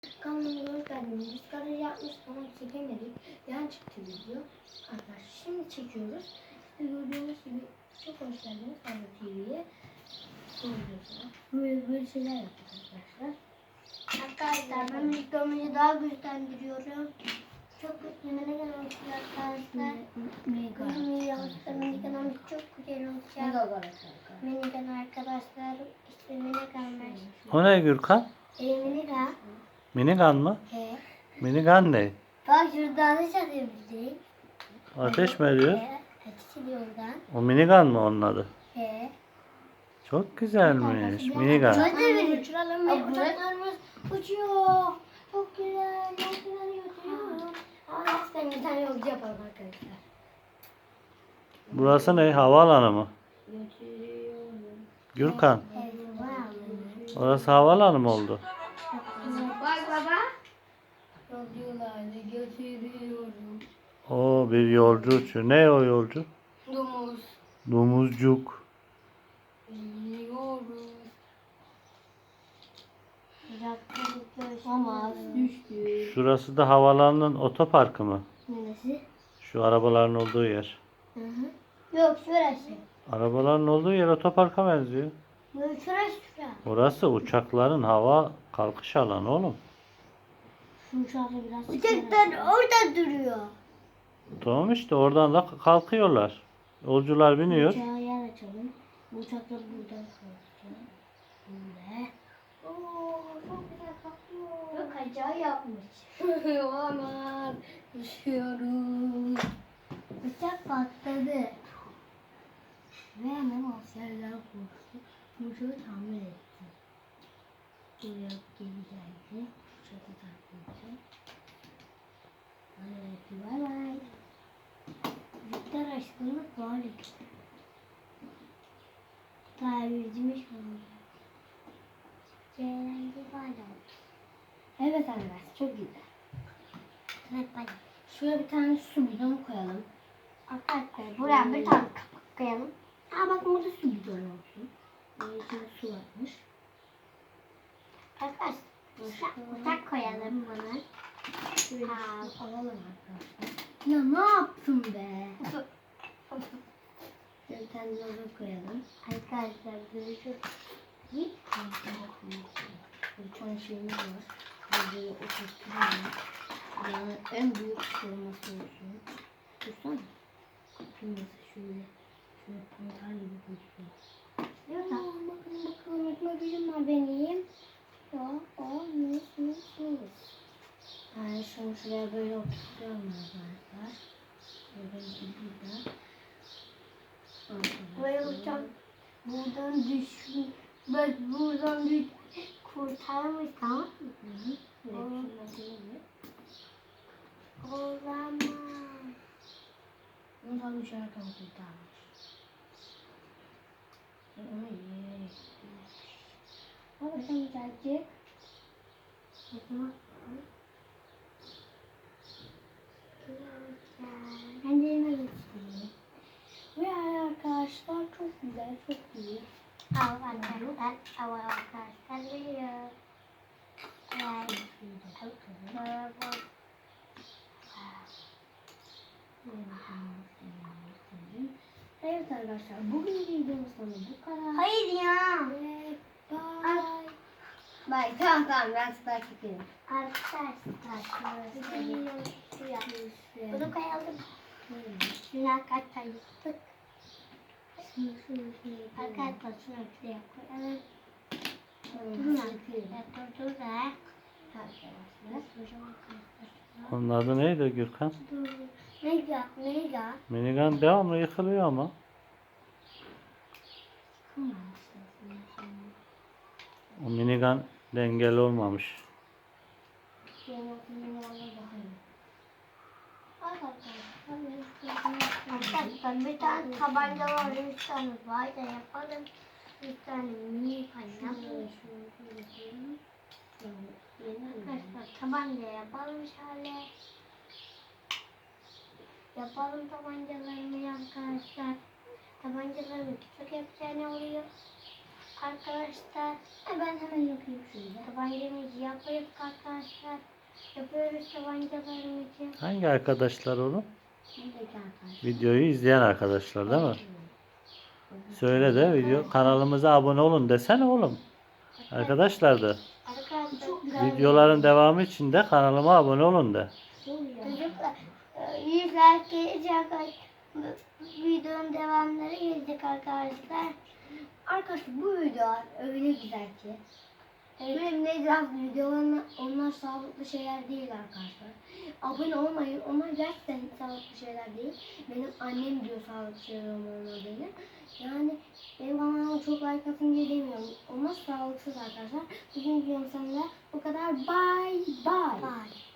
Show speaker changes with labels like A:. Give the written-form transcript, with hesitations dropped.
A: Kanalımıza hoş geldiniz. Biz garaj yapmıştık ama çekemedik. Yan çıktı video. Arkadaşlar şimdi çekiyoruz. İşte gördüğünüz gibi çok hoş geldiniz Fazla TV'ye. Böyle şeyler yapacağız arkadaşlar. Arkadaşlar ben videomu daha güçlendiriyorum. Çok yemene gelmiştir arkadaşlar. Minigan'ımız çok güzel olacak. Minigan arkadaşlar. İşte Minigan'lar.
B: O ne Gürkan?
A: Minigan.
B: Minigun mı?
A: He.
B: Minigun ne?
A: Bak şuradan ateş edebildik.
B: Ateş mi ediyor?
A: Ateş ediyor oradan.
B: O minigun mu onun adı?
A: He.
B: Çok güzelmiş. Minigun.
A: Hadi bir uçuralım ve uçaklarımız uçuyor. Çok güzel. Çok güzel uçuyor. Ben bir tane yolcu yapalım arkadaşlar.
B: Burası ne? Havaalanı mı?
A: Götürüyorum.
B: Gürkan.
A: Evet,
B: Orası havaalanı mı oldu?
A: bak baba. Yolcularla götürüyorum.
B: O bir yolcu uçuyor. Ne o yolcu?
A: Domuz.
B: Domuzcuk.
A: Biliyoruz. Ama düştü.
B: Şurası da havaalanının otoparkı mı?
A: Neresi?
B: Şu arabaların olduğu yer.
A: Hı hı. Yok şurası.
B: Arabaların olduğu yer otoparka benziyor.
A: Böyle şurası.
B: Orası uçakların hava kalkış alanı oğlum.
A: Şu uçakla biraz uçaklar orada duruyor.
B: Tamam işte oradan da kalkıyorlar. Yolcular biniyor.
A: Uçağa yer açalım. Bu uçaklar buradan kalkacak. Böyle. Oo, çok güzel kalkıyor. Yok acayip yapmış. Olamaz. Düşüyoruz. Uçak patladı. Ve hemen askerler korktu. Uçağı tamir etti. Buraya geri geldi. Uçağı takip etti. Bay bay. Victor aşkını bağlı. Tamircimiz oldu. Cerenci bağlı. Evet arkadaşlar çok güzel. Evet bağlı. Şuraya bir tane su bidonu koyalım. Arkadaşlar buraya bir tane kapak koyalım. Aa bak burada su bidonu olsun. İçinde su varmış. Arkadaşlar uçak koyalım bana. Şöyle alalım arkadaşlar. Ya ne yaptın be? Bir tane logo koyalım. Arkadaşlar görüşürüz. Bir tane şeyimiz var. Böyle oturtuyoruz. Yani en büyük forması olsun. Dursana. Nasıl şöyle. Şöyle pantar gibi gözüküyor. Bakın bakın var benim. Ya o mis. Yani şunu şuraya böyle oturtuyorum arkadaşlar. Böyle burada. Böyle uçak buradan düşün. Bak buradan bir kurtarmış tamam mı? Olamaz. Bunu tam uçarken kurtarmış. Onu yiyerek. Baba sen gelecek. Ben de elime geçtim. Ve arkadaşlar çok güzel, çok iyi. Al arkadaşlar veriyor. Evet arkadaşlar bugün videomuzdan bu kadar. Hayır ya. Ve bye. Bye. Tamam ben size çekeyim. Arkadaşlar bunu koyalım. Şuna kaç tane yaptık. Arkadaşlar şunu şuraya koyalım.
B: Onun adı neydi Gürkan?
A: Mega.
B: Minigun devamlı yıkılıyor ama. O minigun dengeli olmamış.
A: Arkadaşlar bir tane tabanca var, 3 tane var da yapalım. Bir tane mini yapalım. Arkadaşlar tabanca yapalım şöyle. Yapalım tabancalarını arkadaşlar. Tabancalarını küçük yapacağına oluyor. Arkadaşlar ben hemen yapayım şöyle. Tabancamızı yapıyoruz arkadaşlar. Yapıyoruz tabancalarımızı.
B: Hangi arkadaşlar oğlum?
A: Buradaki arkadaşlar.
B: Videoyu izleyen arkadaşlar değil mi? Söyle de video kanalımıza abone olun desene oğlum. Arkadaşlar da
A: Arkadaşlar çok güzel.
B: videoların devamı için de kanalıma abone olun de.
A: Çocuklar 100 like gelecek. Videonun devamları gelecek arkadaşlar. Arkadaşlar bu videolar öyle güzel ki. Benim ne biraz videolarım onlar sağlıklı şeyler değil arkadaşlar. Abone olmayın. Onlar gerçekten hiç sağlıklı şeyler değil. Benim annem diyor sağlıklı şeyler olmadığını. Yani benim kanalıma çok like atın diye demiyorum. Onlar sağlıksız arkadaşlar. Bugün videom sonunda bu kadar. Bye bye. Bye.